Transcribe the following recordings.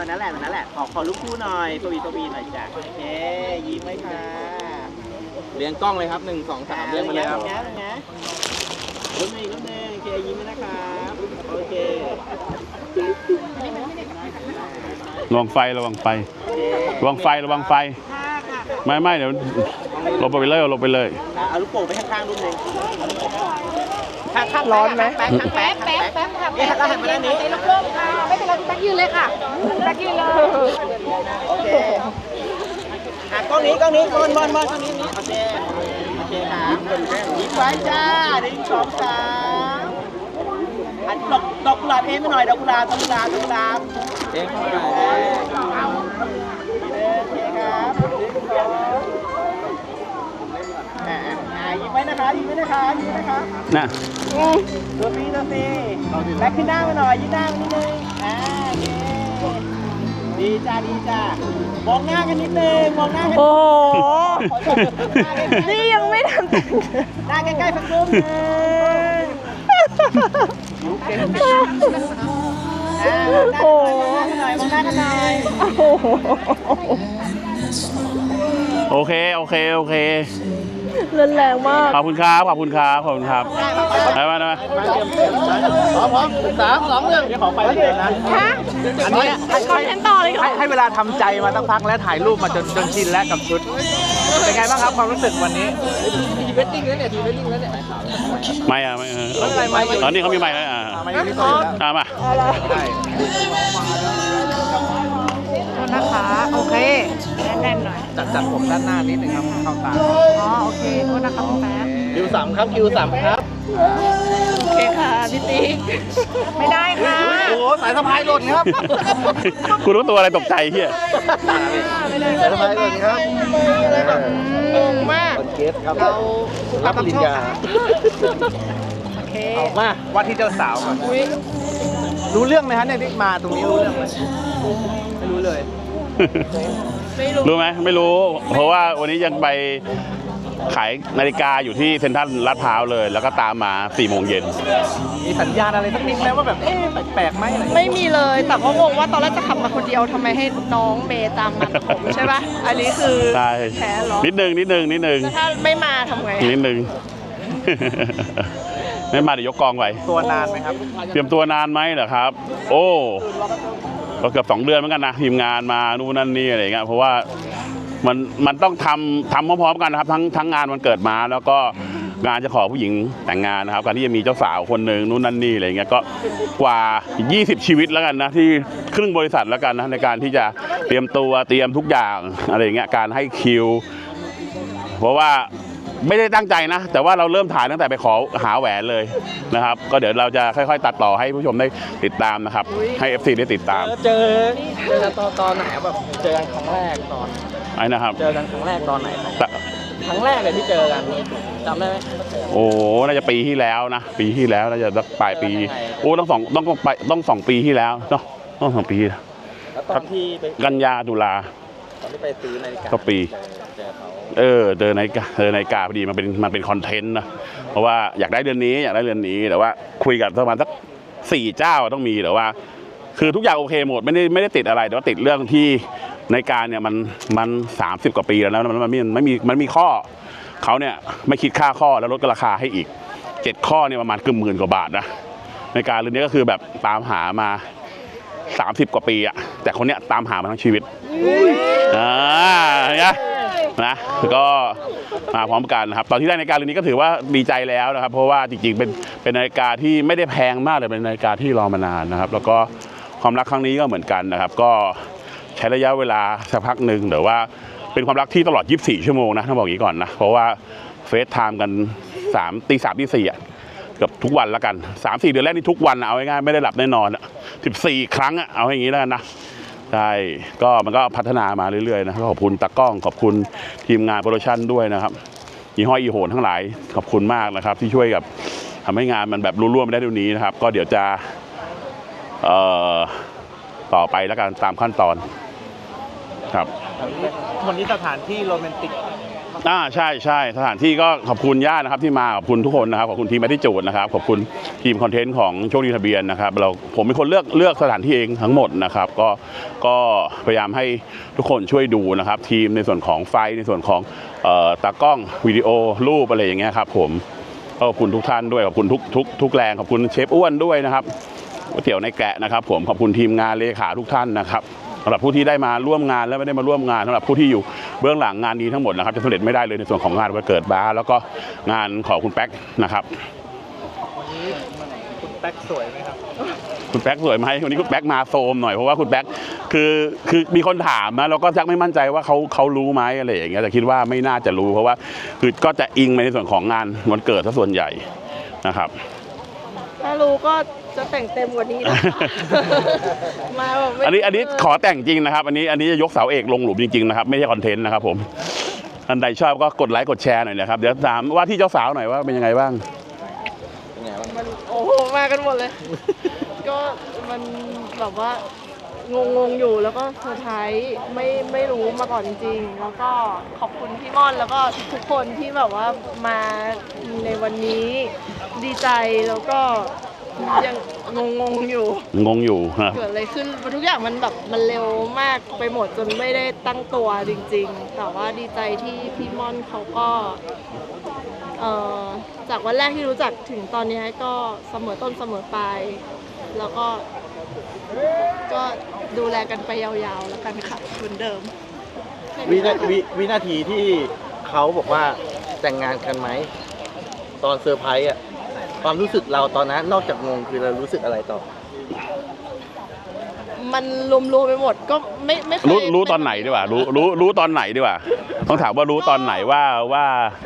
นั้นแหละแบบนั้นแหละขอลูกคู่หน่อยปวีหน่อยจ้ะโอเคยิ้มไว้ค่ะเลี้ยงกล้องเลยครับ1 2 3เลี้ยงมาเลยครับรุ่นหนึ่งโอเคยิ้มไว้นะครับโอเคระวังไฟระวังไฟไม่เดี๋ยวลงไปเลยเอาลูกโป่งไปข้างๆรุ่นหนึ่งข้างร้อนไหมแป๊บค่ะนี่เราหันมาด้านนี้ลูกโป่งค่ะไม่เป็นไรตักยืนเลยค่ะตักยืนเลยโอเคกล้องนี้บอลกล้องนี้โอเคครับยิ้มไว้จ้า1 2 3อันดอกกุหลาบเองหน่อยดอกกุหลาบเองเข้ามาโอเคครับยิ้มไว้นะครับนะตัวปีแบ็คขึ้นหน้ามาหน่อยยืนหน้ามานิดนึงดีจ้ามองหน้ากันนิดนึงโอ้โหนี่ยังไม่ทันหน้าใกล้ๆสักรูปนึงโอ้มองหน้ากันหน่อยโอเครุนแรงมากขอบคุณครับไปพร้อม3 2 1เดี๋ยวขอไปเลยนะอันนี้คอนเทนต์ต่อเลยให้เวลาทำใจมาตั้งพักและถ่ายรูปมาจนชินแล้วกับชุดเป็นไงบ้างครับความรู้สึกวันนี้ทีเวดดิ้งแล้วเนี่ยไม่ตอนนี้เขามีไม่แล้วมานะคะโอเคแน่นๆหน่อยจัดผมด้านหน้านิดนึงครับเข้าตาโอเคโทษนะคะคุณแป๊บคิว3ครับโอเคค่ะพี่ติ๊กไม่ได้ค่ะโอ้สายสะพายหล่นครับคุณรู้ตัวอะไรตกใจเฮียสายสะพายหล่นครับงงมากเกสครับเรารับปริญญาโอเคมาว่าที่เจ้าสาวก่อนรู้เรื่องไหมฮะเนี่ยที่มาตรงนี้รู้เรื่องไหมไม่รู้เลยรู้ไหมไม่รู้เพราะว่าวันนี้ยังไปขายนาฬิกาอยู่ที่เซ็นทรัลลาดพร้าวเลยแล้วก็ตามมา4 โมงเย็นมีสัญญาณอะไรสักนิดไหมว่าแบบแปลกไหมอะไรไม่มีเลยแต่ก็งงว่าตอนแรกจะขับมาคนเดียวทำไมให้น้องเมย์ตามมาผมใช่ปะอันนี้คือแพ้หรอนิดนึงถ้าไม่มาทำไงนิดนึงไม่มาเดี๋ยวยกกองไว้ตัวนานไหมครับเตรียมตัวนานไหมเหรอครับโอ้ก็เกือบ2 เดือนเหมือนกันนะทีมงานมานู่นนั่นนี่อะไรเงี้ยเพราะว่ามันต้องทำพร้อมๆกันนะครับทั้งงานวันเกิดมาแล้วก็งานจะขอผู้หญิงแต่งงานนะครับการที่จะมีเจ้าสาวคนหนึ่งนู่นนั่นนี่อะไรเงี้ยก็กว่า20 ชีวิตแล้วกันนะที่ครึ่งบริษัทแล้วกันนะในการที่จะเตรียมทุกอย่างอะไรเงี้ยการให้คิวเพราะว่าไม่ได้ตั้งใจนะแต่ว่าเราเริ่มถ่ายตั้งแต่ไปขอหาแหวนเลยนะครับก็เดี๋ยวเราจะค่อยๆตัดต่อให้ผู้ชมได้ติดตามนะครับให้ FC ได้ติดตามเจอตอนไหนแบบเจอกันครั้งแรกตอนไอ้นะครับเจอกันครั้งแรกตอนไหนครั้งแรกเลยที่เจอกันจำได้ไหมโอ้น่าจะปีที่แล้วนะน่าจะปลายปีโอ้ต้อง2 ปีที่แล้วเนาะต้อง2 ปีแล้วตอนที่กันยาตุลาตอนที่ไปซื้อนาฬิกาก็ปีเจอนาฬิกาพอดีมันเป็นคอนเทนต์นะเพราะว่าอยากได้เดือนนี้แต่ว่าคุยกับประมาณสัก4 เจ้าต้องมีแต่ว่าคือทุกอย่างโอเคหมดไม่ได้ติดอะไรแต่ว่าติดเรื่องที่นาฬิกาเนี่ยมัน30 กว่าปีแล้วนะมันมีข้อเขาเนี่ยไม่คิดค่าข้อแล้วลดราคาให้อีก7 ข้อเนี่ยประมาณ10,000 กว่าบาทนะนาฬิกาเรือนนี้ก็คือแบบตามหามา30 กว่าปีอะแต่คนเนี้ยตามหามาทั้งชีวิตนะก็มาพร้อมกันนะครับตอนที่ได้นาฬิกาเรือนนี้ก็ถือว่าดีใจแล้วนะครับเพราะว่าจริงๆเป็นนาฬิกาที่ไม่ได้แพงมากเลยเป็นนาฬิกาที่รอมานานนะครับแล้วก็ความรักครั้งนี้ก็เหมือนกันนะครับก็ใช้ระยะเวลาสักพักหนึ่งแต่ว่าเป็นความรักที่ตลอด24 ชั่วโมงนะต้องบอกอย่างนี้ก่อนนะเพราะว่าเฟซไทม์กันตี 3 ตี 4เกือบทุกวันแล้วกัน 3-4 เดือนแรกนี่ทุกวันเอาง่ายๆไม่ได้หลับได้นอน14 ครั้งเอาอย่างนี้แล้วกันนะใช่ก็มันก็พัฒนามาเรื่อยๆนะขอบคุณตากล้องขอบคุณทีมงานโปรดักชั่นด้วยนะครับยี่ห้ออีโหนทั้งหลายขอบคุณมากนะครับที่ช่วยกับทำให้งานมันแบบรุ่ร่วมไปได้ดูนี้นะครับก็เดี๋ยวจะต่อไปแล้วกันตามขั้นตอนครับวันนี้สถานที่โรแมนติกใช่ใช่สถานที่ก็ขอบคุณญาตินะครับที่มาขอบคุณทุกคนนะครับขอบคุณทีมแมทที่จูดนะครับขอบคุณทีมคอนเทนต์ของโชคดีทะเบียนนะครับผมเป็นคนเลือกสถานที่เองทั้งหมดนะครับก็พยายามให้ทุกคนช่วยดูนะครับทีมในส่วนของไฟในส่วนของตากล้องวิดีโอรูปอะไรอย่างเงี้ยครับผมขอบคุณทุกท่านด้วยขอบคุณทุกแรงขอบคุณเชฟอ้วนด้วยนะครับก๋วยเตี๋ยวในแกะนะครับผมขอบคุณทีมงานเลขาทุกท่านนะครับสำหรับผู้ที่ได้มาร่วมงานและไม่ได้มาร่วมงานสำหรับผู้ที่อยู่เบื้องหลังงานนี้ทั้งหมดนะครับจะสำเร็จไม่ได้เลยในส่วนของงานวันเกิดบาร์แล้วก็งานของคุณแป๊กนะครับวันนี้คุณแป๊กสวยไหมครับคุณแป๊กสวยไหมวันนี้คุณแป๊กมาโซมหน่อยเพราะว่าคุณแป๊กคือมีคนถามนะเราก็จักไม่มั่นใจว่าเขารู้ไหมอะไรอย่างเงี้ยแต่คิดว่าไม่น่าจะรู้เพราะว่าคือก็จะอิงไปในส่วนของงานวันเกิดซะส่วนใหญ่นะครับถ้ารู้ก็จะแต่งเต็มกว่านี้นะมาแบบอันนี้ขอแต่งจริงนะครับอันนี้จะยกเสาเอกลงหลุมจริงๆนะครับไม่ใช่คอนเทนต์นะครับผมท่านใดชอบก็กดไลค์กดแชร์หน่อยนะครับเดี๋ยวถามว่าที่เจ้าสาวหน่อยว่าเป็นยังไงบ้างโอ้โหมากันหมดเลย ก็มันแบบว่างงอยู่แล้วก็เซอร์ไพรส์ไม่รู้มาก่อนจริงๆแล้วก็ขอบคุณพี่ม่อนแล้วก็ทุกคนที่แบบว่ามาในวันนี้ดีใจแล้วก็ยังงงอยู่เกิดอะไรขึ้นทุกอย่างมันแบบมันเร็วมากไปหมดจนไม่ได้ตั้งตัวจริงๆแต่ว่าดีใจที่พี่ม่อนเขาก็จากวันแรกที่รู้จักถึงตอนนี้ก็เสมอต้นเสมอปลายแล้วก็ดูแลกันไปยาวๆแล้วกันค่ะเหมือนเดิมวินาทีที่เขาบอกว่าแต่งงานกันไหมตอนเซอร์ไพรส์อ่ะความรู้สึกเราตอนนั้นนอกจากงงคือเรารู้สึกอะไรต่อมันรวมไปหมดก็ไม่เคยรู้ตอนไหนดีกว่ารู้ตอนไหนดีกว่าต้องถามว่ารู้ตอนไหนว่า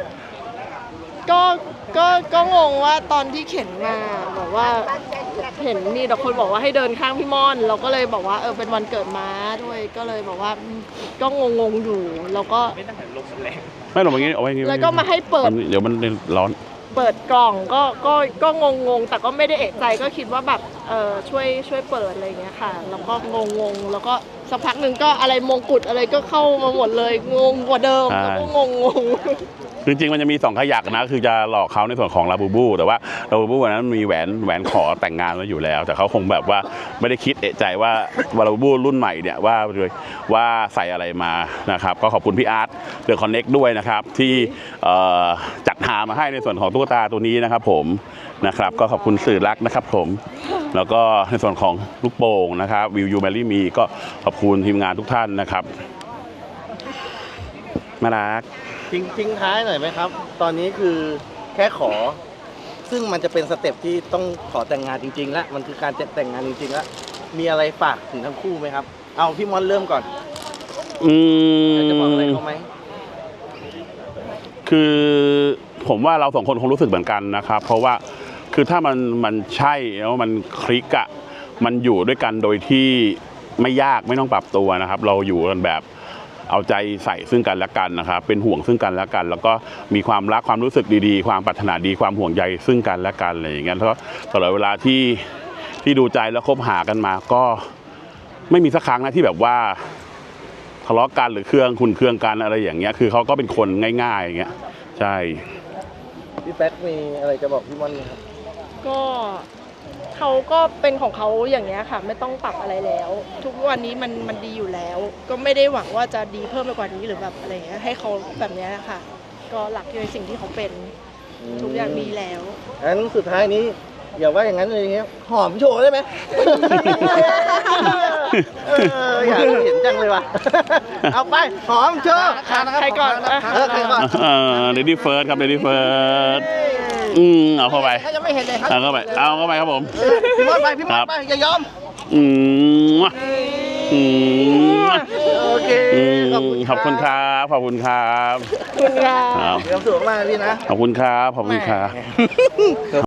ก็งงว่าตอนที่เข็นมาบอกว่าเห็นมีแต่คนบอกว่าให้เดินข้างพี่ม่อนเราก็เลยบอกว่าเป็นวันเกิดม้าด้วยก็เลยบอกว่าก็งงอยู่แล้วก็ไม่หรอกอย่างนี้เอาไว้อย่างนี้แล้วก็มาให้เปิดเดี๋ยวมันร้อนเปิดกล่องก็งงแต่ก็ไม่ได้เอะใจก็คิดว่าแบบช่วยเปิดอะไรอย่างเงี้ยค่ะแล้วก็งงแล้วก็สักพักหนึ่งก็อะไรมงกุฎอะไรก็เข้ามาหมดเลยงงกว่าเดิมแล้วก็งจริงๆมันจะมี2ขยักนะคือจะหลอกเขาในส่วนของลาบูบูแต่ว่าลาบูบูวันนั้นมีแหวนขอแต่งงานไว้อยู่แล้วแต่เขาคงแบบว่าไม่ได้คิดเอะใจว่าลาบูบูรุ่นใหม่เนี่ยว่าใส่อะไรมานะครับก็ขอบคุณพี่อาร์ตเดอะคอนเน็กด้วยนะครับที่จัดหามาให้ในส่วนของตุ๊กตาตัวนี้นะครับผมนะครับก็ขอบคุณสื่อรักนะครับผมแล้วก็ในส่วนของลูกโป่งนะครับวิวยูแมรี่มีก็ขอบคุณทีมงานทุกท่านนะครับน่ารักทิ้งท้ายหน่อยไหมครับตอนนี้คือแค่ขอซึ่งมันจะเป็นสเต็ปที่ต้องขอแต่งงานจริงๆแล้วมันคือการแต่งงานจริงๆแล้วมีอะไรฝากถึงทั้งคู่ไหมครับเอาพี่ม่อนเริ่มก่อนจะบอกอะไรเขาไหมคือผมว่าเรา2คนคงรู้สึกเหมือนกันนะครับเพราะว่าคือถ้ามันใช่แล้วมันคลิกอะมันอยู่ด้วยกันโดยที่ไม่ยากไม่ต้องปรับตัวนะครับเราอยู่กันแบบเอาใจใส่ซึ่งกันและกันนะครับเป็นห่วงซึ่งกันและกันแล้วก็มีความรักความรู้สึกดีๆความปรารถนาดีความห่วงใยซึ่งกันและกันอะไรอย่างเงี้ยแล้วตลอดเวลาที่ดูใจแล้วคบหากันมาก็ไม่มีสักครั้งนะที่แบบว่าทะเลาะกันหรือเครื่องกันอะไรอย่างเงี้ยคือเขาก็เป็นคนง่ายๆอย่างเงี้ยใช่พี่แป๊กมีอะไรจะบอกพี่ม่อนไหมครับก็เขาก็เป็นของเขาอย่างเงี้ยค่ะไม่ต้องปรับอะไรแล้วทุกวันนี้มันดีอยู่แล้วก็ไม่ได้หวังว่าจะดีเพิ่มไปกว่านี้หรือแบบอะไรเงี้ยให้เขาแบบเนี้ยค่ะก็หลักในสิ่งที่เขาเป็นทุกอย่างมีแล้วงั้นสุดท้ายนี้อย่าว่าอย่างนั้นเลยเงี้ยหอมโชว์ได้ไหมอยากเห็นจังเลยว่ะเอาไปหอมโชว์ใครก่อนใครก่อนเลดี้เฟิร์สครับเลดี้เฟิร์สเอาเข้าไปยังไม่เห็นเลยครับเอาเข้าไปครับผมพี่มดไปอย่ายอมโอเคขอบคุณครับขอบคุณครับเดี๋ยวสูงมากพี่นะขอบคุณครับ